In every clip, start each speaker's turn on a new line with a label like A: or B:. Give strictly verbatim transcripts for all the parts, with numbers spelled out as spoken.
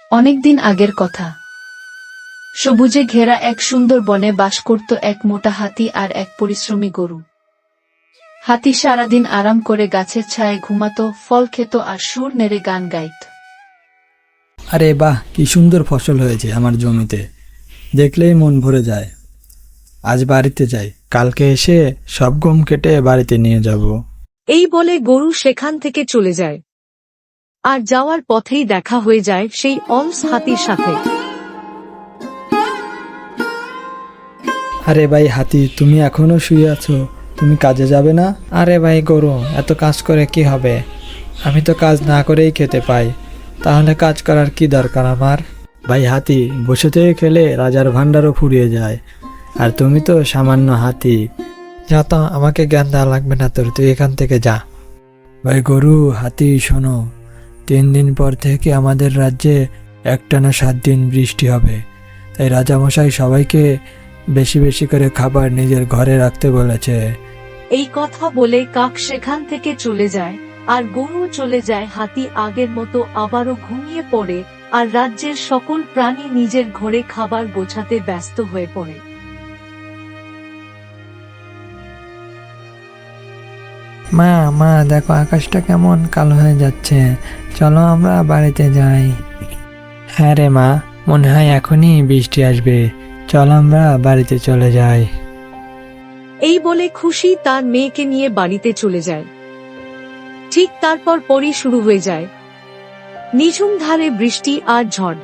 A: অনেকদিন আগের কথা। সবুজে ঘেরা এক সুন্দর বনে বাস করত এক মোটা হাতি আর এক পরিশ্রমী গরু। হাতি সারাদিন আরাম করে গাছের ছায়ায় ঘুমাতো, ফল খেত আর সুর নেড়ে গান গাইত।
B: আরে বাহ, কি সুন্দর ফসল হয়েছে আমার জমিতে, দেখলেই মন ভরে যায়। আজ বাড়িতে যাই, কালকে এসে সব গম কেটে বাড়িতে নিয়ে যাব।
C: এই বলে গরু সেখান থেকে চলে যায়। আর যাওয়ার পথেই দেখা হয়ে যায় সেই অলস হাতির সাথে।
B: আরে ভাই হাতি, তুমি এখনো শুয়ে আছো? তুমি কাজে যাবে না? আরে ভাই গরু, এত কাজ করে কি হবে? আমি তো কাজ না করেই খেতে পাই, তাহলে কাজ করার কি দরকার আমার? ভাই হাতি, বসে থেকে খেলে রাজার ভান্ডারও ফুরিয়ে যায়, আর তুমি তো সামান্য হাতি। যা তো, আমাকে জ্ঞান দেওয়া লাগবে না তোর, তুই এখান থেকে যা। ভাই গরু, হাতি শোনো, তিন দিন পর থেকে আমাদের রাজ্যে একটানা সাত দিন বৃষ্টি হবে, তাই রাজামশাই সবাইকে বেশি বেশি করে খাবার নিজের ঘরে রাখতে বলেছে।
C: এই কথা বলে কাক সেখান থেকে চলে যায়, আর গরু চলে যায়। হাতি আগের মতো আবারও ঘুমিয়ে পড়ে, আর রাজ্যের সকল প্রাণী নিজের ঘরে খাবার গোছাতে ব্যস্ত হয়ে পড়ে।
B: মা মা দেখো, আকাশটা কেমন কালো হয়ে যাচ্ছে, চলো আমরা বাড়িতে যাই। হ্যাঁ রে মা, মনে হয় এখনই বৃষ্টি আসবে, চল আমরা বাড়িতে চলে যাই।
C: এই বলে খুশি তার মেয়েকে নিয়ে বাড়িতে চলে যায়। ঠিক তারপর পরই শুরু হয়ে যায় নিঝুম ধারে বৃষ্টি আর ঝড়।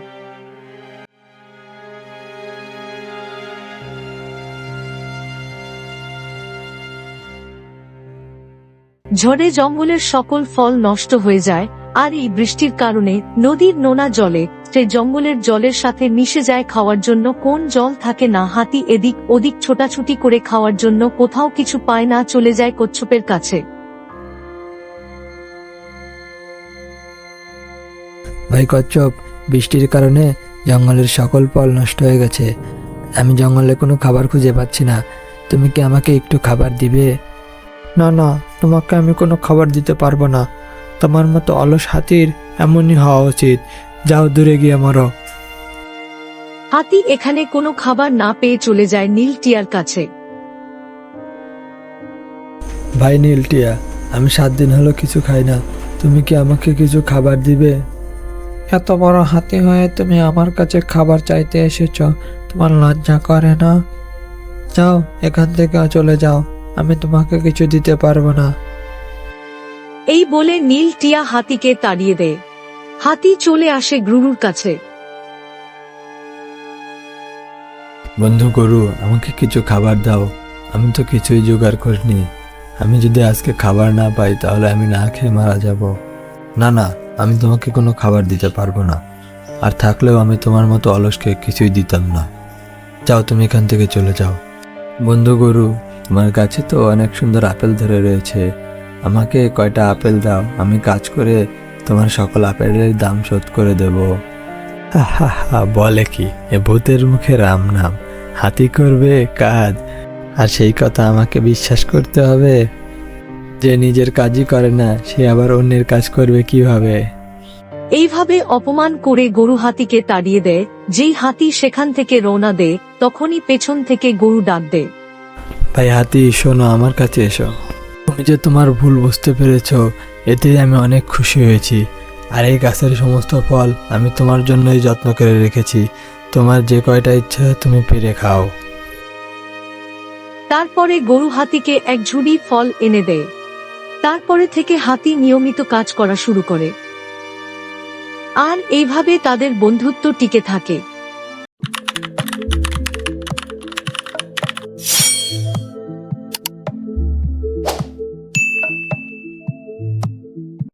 C: ঝড়ে জঙ্গলের সকল ফল নষ্ট হয়ে যায়, আর এই বৃষ্টির কারণে নদীর নোনা জলে সে জঙ্গলের জলের সাথে মিশে যায়। খাওয়ার জন্য কোন জল থাকে না, হাতি এদিক ওদিক ছোটাছুটি করে খাওয়ার জন্য কোথাও কিছু পায় না, চলে যায় কচ্ছপের কাছে।
B: ভাই কচ্ছপ, বৃষ্টির কারণে জঙ্গলের সকল ফল নষ্ট হয়ে গেছে, আমি জঙ্গলে কোনো খাবার খুঁজে পাচ্ছি না, তুমি কি আমাকে একটু খাবার দিবে? না না, তোমাকে আমি কোনো খাবার দিতে পারবো না, তোমার মতো অলস হাতির এমনই হওয়া উচিত, যাও দূরে গিয়ে মরো।
C: হাতি এখানে কোনো খাবার না পেয়ে চলে যায় নীল টিয়ার কাছে।
B: ভাই নীলটিয়া, আমি সাত দিন হলো কিছু খাই না, তুমি কি আমাকে কিছু খাবার দিবে? এত বড় হাতি হয়ে তুমি আমার কাছে খাবার চাইতে এসেছ, তোমার লজ্জা করে না? যাও এখান থেকে চলে যাও, আমি তোমাকে কিছু দিতে পারবো না।
C: এই বলে নীল টিয়া হাতিকে তাড়িয়ে দেয়। হাতি চলে আসে গুরুর কাছে।
B: বন্ধু গরু, আমাকে কিছু খাবার দাও, আমি তো কিছুই জোগাড় করিনি, আমি যদি আজকে খাবার না পাই তাহলে আমি না খেয়ে মারা যাব। না না, আমি তোমাকে কোনো খাবার দিতে পারবো না, আর থাকলেও আমি তোমার মতো অলসকে কিছুই দিতাম না, যাও তুমি এখান থেকে চলে যাও। বন্ধু গরু, তোমার কাছে তো অনেক সুন্দর আপেল ধরে রয়েছে, আমাকে কয়টা আপেল দাও, আমি কাজ করে তোমার সকল আপেলের দাম শোধ করে দেব। হা হা হা, বলে কি, এ ভূতের মুখে রাম নাম, হাতি করবে কাজ, আর সেই কথা আমাকে বিশ্বাস করতে হবে? যে নিজের কাজই করে না, সে আবার অন্যের কাজ করবে কিভাবে?
C: এইভাবে অপমান করে গরু হাতিকে তাড়িয়ে দেয়। যেই হাতি সেখান থেকে রওনা দেয়, তখনই পেছন থেকে গরু ডাক দেয়।
B: ভাই হাতি শোনো, আমার কাছে এসো, তুমি যে তোমার ভুল বুঝতে পেরেছো, এতে আমি অনেক খুশি হয়েছি, আর এই গাছের সমস্ত ফল আমি তোমার জন্যই যত্ন করে রেখেছি, তোমার যে কয়টা ইচ্ছা তুমি পেরে খাও।
C: তারপরে গরু হাতিকে এক ঝুড়ি ফল এনে দেয়। তারপরে থেকে হাতি নিয়মিত কাজ করা শুরু করে, আর এইভাবে তাদের বন্ধুত্ব টিকে থাকে।